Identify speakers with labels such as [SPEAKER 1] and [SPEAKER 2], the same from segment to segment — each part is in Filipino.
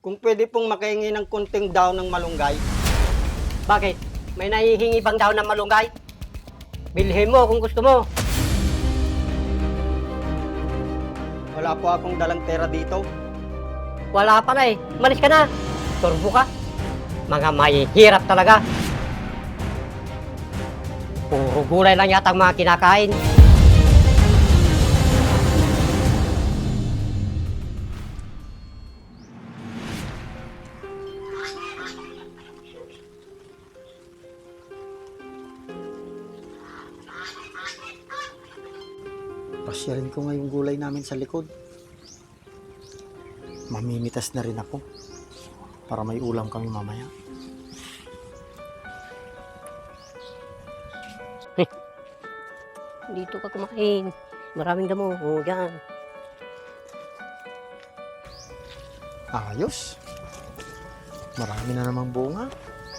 [SPEAKER 1] Kung pwede pong makahingi ng kunting daw ng malunggay.
[SPEAKER 2] Bakit? May nahihingi bang daw ng malunggay? Bilhin mo kung gusto mo.
[SPEAKER 1] Wala po akong dalang pera dito.
[SPEAKER 2] Wala pa na eh. Malis ka na. Turbo ka. Mga mahihirap talaga. Puro gulay lang yata ang mga kinakain.
[SPEAKER 1] Pasyalin ko nga yung gulay namin sa likod. Mamimitas na rin ako para may ulam kami mamaya.
[SPEAKER 2] Dito ka kumain. Maraming damo. O, yan.
[SPEAKER 1] Ayos. Marami na namang bunga.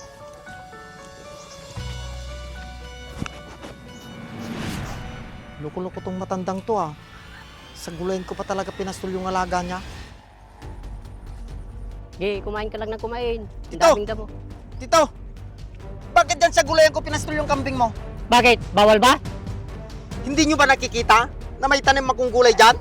[SPEAKER 1] Loko-loko tong matandang to ah. Sa gulayin ko pa talaga pinastol yung alaga niya.
[SPEAKER 2] Sige, kumain ka lang ng kumain. Ang
[SPEAKER 1] Tito!
[SPEAKER 2] daming damo.
[SPEAKER 1] Tito! Bakit dyan sa gulayan ko pinastol yung kambing mo?
[SPEAKER 2] Bakit? Bawal ba?
[SPEAKER 1] Hindi nyo ba nakikita na may tanim akong gulay dyan?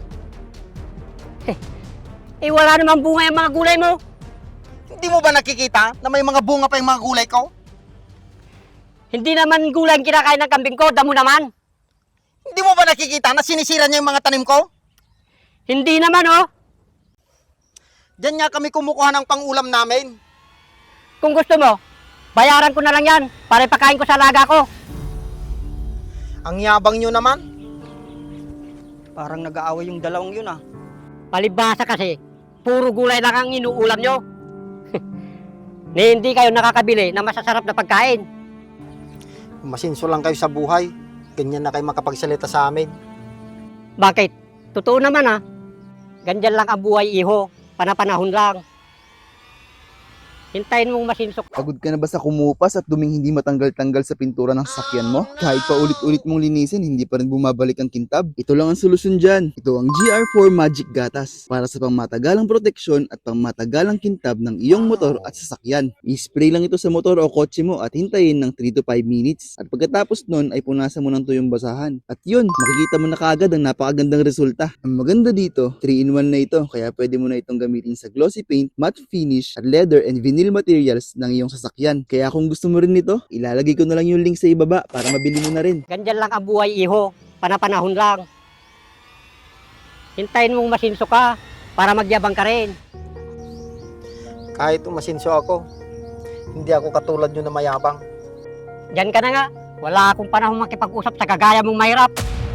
[SPEAKER 2] Eh, wala namang bunga yung mga gulay mo.
[SPEAKER 1] Hindi mo ba nakikita na may mga bunga pa yung mga gulay ko?
[SPEAKER 2] Hindi naman gulay ang kinakain ng kambing ko. Damo naman.
[SPEAKER 1] Hindi mo ba nakikita na sinisira niya yung mga tanim ko?
[SPEAKER 2] Hindi naman, oh.
[SPEAKER 1] Diyan nga kami kumukuha ng pangulam namin.
[SPEAKER 2] Kung gusto mo, bayaran ko na lang yan para ipakain ko sa alaga ko.
[SPEAKER 1] Ang yabang nyo naman. Parang nag-aaway yung dalawang yun ah.
[SPEAKER 2] Palibhasa kasi, puro gulay lang ang inuulam nyo. Ni hindi kayo nakakabili ng masasarap na pagkain.
[SPEAKER 1] Masinso lang kayo sa buhay. Ganyan na kayo makapagsalita sa amin.
[SPEAKER 2] Bakit? Totoo naman ah. Ganyan lang ang buhay, iho. Panapanahon lang. Hintayin mong masinsok.
[SPEAKER 3] Pagod ka na ba sa kumupas at duming hindi matanggal-tanggal sa pintura ng sasakyan mo? Kahit pa ulit-ulit mong linisin, hindi pa rin bumabalik ang kintab? Ito lang ang solusyon dyan. Ito ang GR4 Magic Gatas para sa pangmatagalang proteksyon at pangmatagalang kintab ng iyong motor at sasakyan. I-spray lang ito sa motor o kotse mo at hintayin ng 3 to 5 minutes. At pagkatapos nun ay punasan mo ng tuyong basahan. At yun, makikita mo na kaagad ang napakagandang resulta. Ang maganda dito, 3-in-1 na ito kaya pwede mo na itong gamitin sa glossy paint, matte finish, at leather and vinyl materials ng iyong sasakyan. Kaya kung gusto mo rin nito, ilalagay ko na lang yung link sa ibaba para mabili mo na rin.
[SPEAKER 2] Ganyan lang ang buhay, iho. Panapanahon lang. Hintayin mong masinsok ka para magyabang ka rin.
[SPEAKER 1] Kahit umasinso ako, hindi ako katulad nyo na mayabang.
[SPEAKER 2] Diyan ka na nga. Wala akong panahon makipag-usap sa kagaya mong mahirap.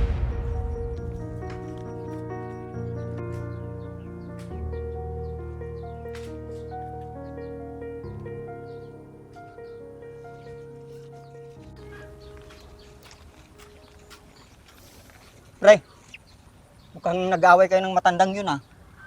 [SPEAKER 1] Pre, mukhang nag-aaway kayo ng matandang yun ah.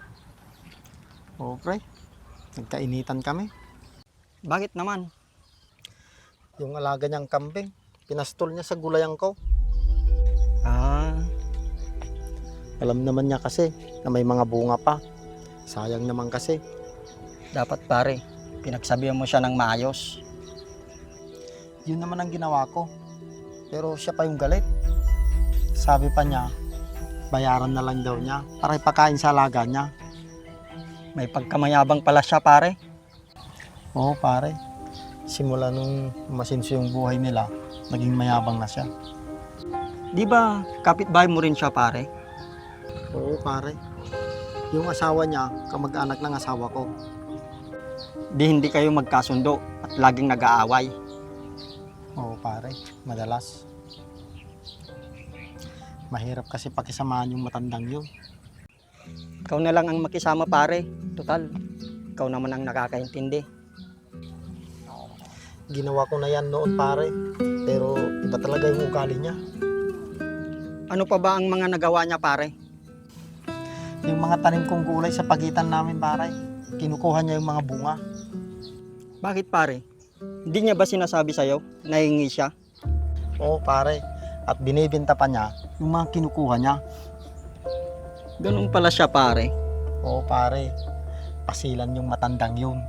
[SPEAKER 1] Oo pre, nagkainitan kami. Bakit naman? Yung alaga niyang kambing, pinastol niya sa gulayan ko. Ah, alam naman niya kasi na may mga bunga pa. Sayang naman kasi. Dapat pare, pinagsabihan mo siya ng maayos. Yun naman ang ginawa ko. Pero siya pa yung galit. Sabi pa niya, bayaran na lang daw niya para ipakain sa alaga niya. May pagkamayabang pala siya pare. Oo pare. Simula nung masinso yung buhay nila, naging mayabang na siya. Di ba kapitbahay mo rin siya pare? Oo pare. Yung asawa niya, kamag-anak ng asawa ko. Di hindi kayo magkasundo at laging nag-aaway. Oo pare, madalas. Mahirap kasi pakisamahan yung matandang yun. Ikaw na lang ang makisama pare. Total, ikaw naman ang nakakaintindi. Ginawa ko na yan noon pare. Pero iba talaga yung ugali niya. Ano pa ba ang mga nagawa niya pare? Yung mga tanim kong gulay sa pagitan namin pare. Kinukuha niya yung mga bunga. Bakit pare? Hindi niya ba sinasabi sa'yo na hingi siya? Oo pare. At binibenta pa niya yung mga kinukuha niya. Ganun pala siya pare. Oo pare. pasilan yung matandang yun.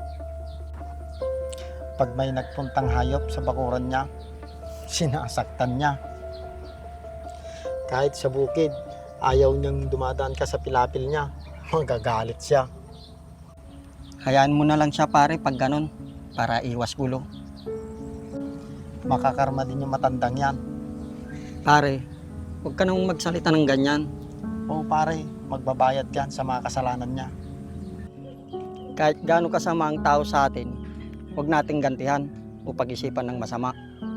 [SPEAKER 1] Pag may nagpuntang hayop sa bakuran niya, sinasaktan niya. Kahit sa bukid, ayaw niyang dumadaan ka sa pilapil niya, magagalit siya. Hayaan mo na lang siya pare pag ganun, para iwas gulo. Makakarma din yung matandang yan. Pare, huwag ka nang magsalita ng ganyan. Oo pare, magbabayad yan sa mga kasalanan niya. Kahit gaano kasama ang tao sa atin, huwag nating gantihan o pag-isipan ng masama.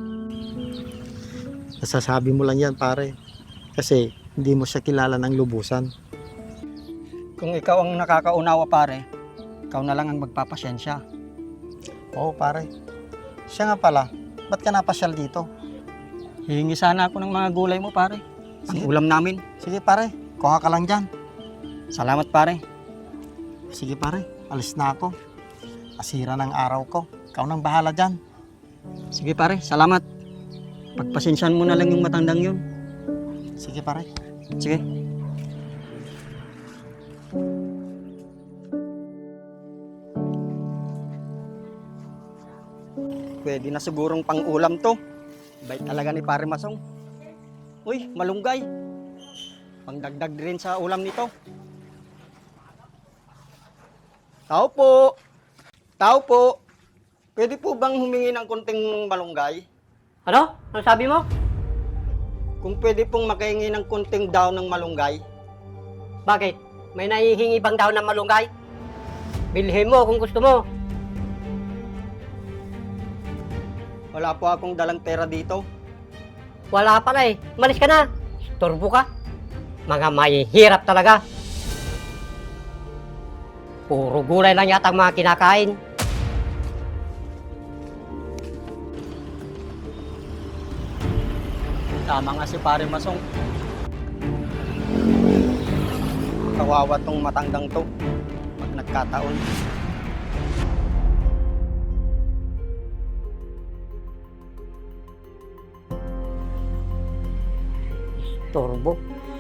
[SPEAKER 1] Nasasabi mo lang yan pare, kasi hindi mo siya kilala ng lubusan. Kung ikaw ang nakakaunawa pare, ikaw na lang ang magpapasyensya. Oo pare, siya nga pala, ba't ka napasyal dito? Hihingi sana ako ng mga gulay mo pare, ang
[SPEAKER 3] Sige.
[SPEAKER 1] ulam namin. Sige pare, kuha ka lang dyan. Salamat pare. Sige pare, alis na ako. Asira ng araw ko. Ikaw nang bahala dyan. Sige pare, salamat. Pagpasensyahan mo na lang yung matandang yun. Sige pare. Sige. Pwede na sigurong pang-ulam to. Bait talaga ni Pare Masong. Uy, malunggay. Pangdagdag rin sa ulam nito. Tao po. Tao po. Pwede po bang humingi ng konting malunggay?
[SPEAKER 2] Ano? Ano sabi mo?
[SPEAKER 1] Kung pwede pong makahingi ng konting daw ng malunggay.
[SPEAKER 2] Bakit? May nahihingi bang daw ng malunggay? Bilhin mo kung gusto mo.
[SPEAKER 1] Wala po akong dalang pera dito.
[SPEAKER 2] Wala pala eh. Malis ka na. Turbo ka. Mga mahihirap talaga. Puro gulay lang yata ang mga kinakain.
[SPEAKER 1] Tama nga si Pare Masong. Kawawa tong matandang to. Pag nagkataon.
[SPEAKER 2] Turbo.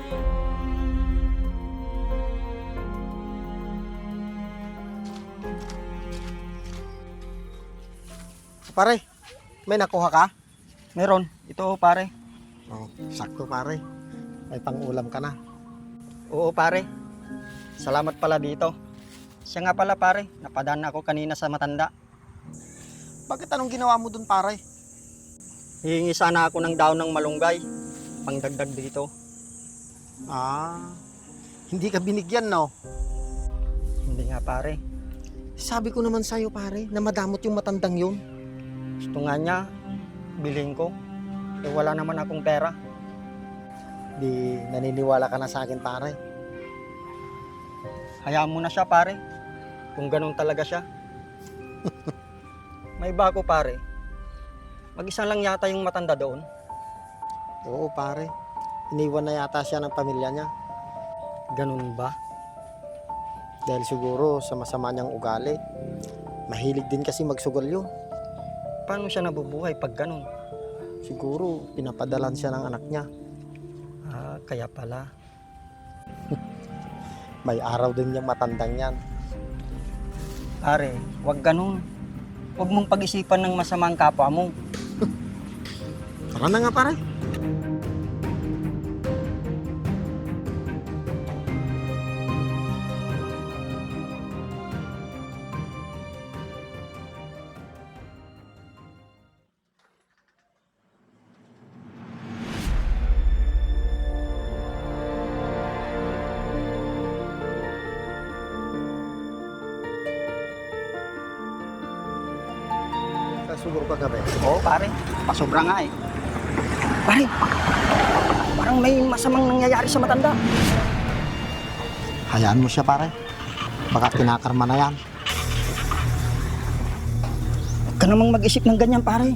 [SPEAKER 1] Pare, may nakuha ka? Meron. Ito pare. Oh, sakto pare. May pang-ulam ka na. Oo pare. Salamat pala dito. Siya nga pala pare, napadaan ako kanina sa matanda. Bakit anong ginawa mo dun pare? Hihingi sana ako ng daon ng malunggay. Pangdagdag dito. Ah, hindi ka binigyan no? Hindi nga pare. Sabi ko naman sa'yo pare, na madamot yung matandang yun. Gusto nga niya, bilhin ko. Eh wala naman akong pera. Di naniniwala ka na sa akin pare. Hayaan mo na siya pare. Kung ganun talaga siya. May bago pare. Mag-isa lang yata yung matanda doon. Oo pare. Iniwan na yata siya ng pamilya niya. Ganun ba? Dahil siguro sa masama niyang ugali. Mahilig din kasi magsugal yun. Paano siya nabubuhay pag ganun? Siguro pinapadalan siya ng anak niya. Ah, kaya pala. May araw din yung matandang yan. Pare, wag ganun. Huwag mong pag-isipan ng masamang kapwa mo. Tara na nga pare. Siguro kagabi. Oo, pare. Pasobra nga eh. Pare, parang may masamang nangyayari sa matanda. Hayaan mo siya, pare. Baka kinakarma na yan. Huwag ka namang mag-isip ng ganyan, pare.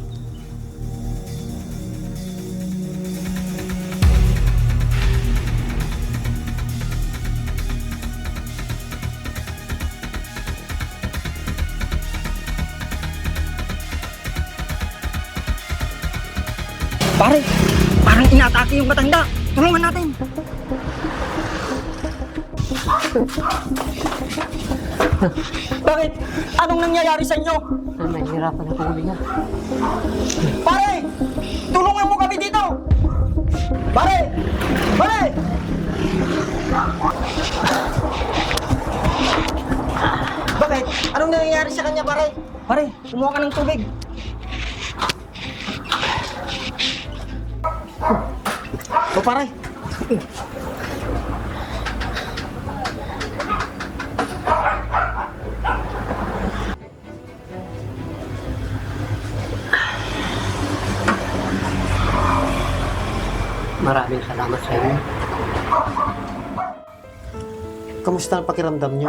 [SPEAKER 1] Pare, parang inatake yung matanda. Tulungan natin. Bakit? Anong nangyayari sa inyo?
[SPEAKER 2] Ay, mahirapan ako huminga.
[SPEAKER 1] Pare! Tulungan mo kami dito! Pare! Pare! Bakit? Anong nangyayari sa kanya, pare? Pare, kumuha ka ng tubig. O pare.
[SPEAKER 2] Maraming salamat sa inyo.
[SPEAKER 1] Kamusta ang pakiramdam niyo?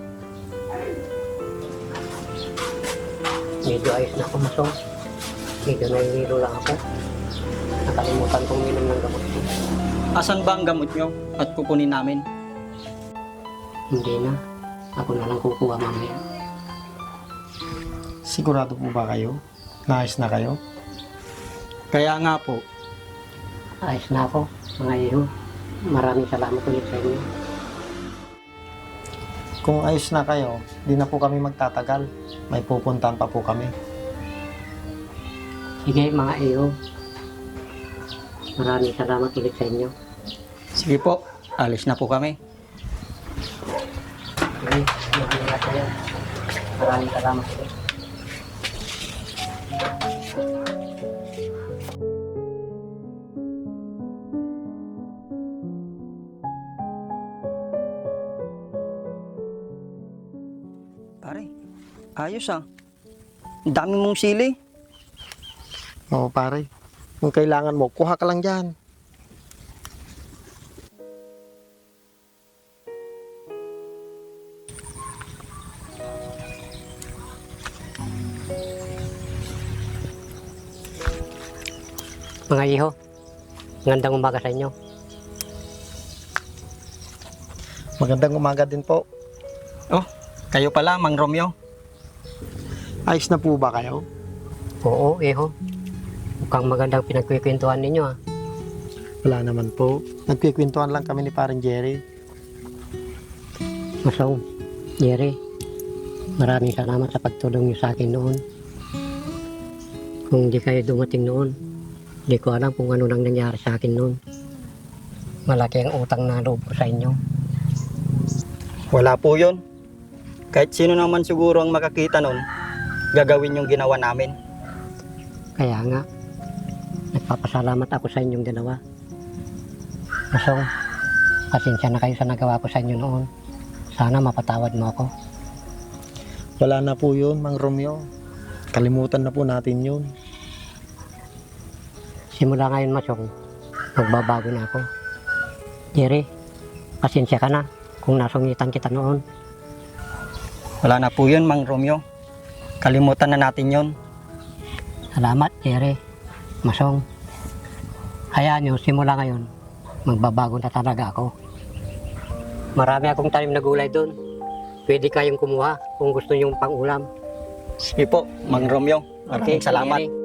[SPEAKER 2] Medyo ayos na ako, Masong. Medyo nahihilo lang ako. Nakalimutan kong minom ng gamot ko.
[SPEAKER 1] Asan ba ang gamot niyo at kukunin namin?
[SPEAKER 2] Hindi na. Ako na lang kukuha mamaya.
[SPEAKER 1] Sigurado po ba kayo? Naayos na kayo? Kaya nga po.
[SPEAKER 2] Ayos na ako, mga iyo. Maraming salamat ulit sa inyo.
[SPEAKER 1] Kung ayos na kayo, di na po kami magtatagal. May pupuntahan pa po kami.
[SPEAKER 2] Sige, mga iyo. Maraming salamat ulit sa inyo.
[SPEAKER 1] Sige po, alis na po kami.
[SPEAKER 2] Sige, mag-ingat kayo. Maraming salamat ulit.
[SPEAKER 1] Pare, ayos ah. Ang dami mong sili.
[SPEAKER 4] Oo pare, kung kailangan mo, kuha ka lang dyan.
[SPEAKER 2] Mga iho, magandang umaga sa inyo.
[SPEAKER 4] Magandang umaga din po.
[SPEAKER 1] Oh, kayo pala, Mang Romeo.
[SPEAKER 4] Ayos na po ba kayo?
[SPEAKER 2] Oo, iho. Mukhang magandang pinagkikwentuhan ninyo ah.
[SPEAKER 4] Wala naman po. Nagkikwentuhan lang kami ni parang Jerry.
[SPEAKER 2] Masong, Jerry, maraming salamat sa pagtulong niyo sa akin noon. Kung di kayo dumating noon, di ko alam kung ano nang nangyari sa akin noon. Malaki ang utang na loob ko sa inyo.
[SPEAKER 1] Wala po yun. Kahit sino naman siguro ang makakita nun, gagawin yung ginawa namin.
[SPEAKER 2] Kaya nga, nagpapasalamat ako sa inyong dalawa. Masong, pasensya na kayo sa nagawa ko sa inyo noon. Sana mapatawad mo ako.
[SPEAKER 4] Wala na po yun, Mang Romeo. Kalimutan na po natin yun.
[SPEAKER 2] Simula ngayon, Masong, magbabago na ako. Jerry, pasensya ka na kung nasungitan kita noon.
[SPEAKER 1] Wala na po yun, Mang Romeo. Kalimutan na natin yun.
[SPEAKER 2] Salamat, Jerry. Masong, hayaan nyo, simula ngayon, magbabago na talaga ako. Marami akong tanim na gulay doon. Pwede kayong kumuha kung gusto nyong pang-ulam.
[SPEAKER 1] Sige po, Mang Romeo. Maraming salamat.
[SPEAKER 2] Jerry.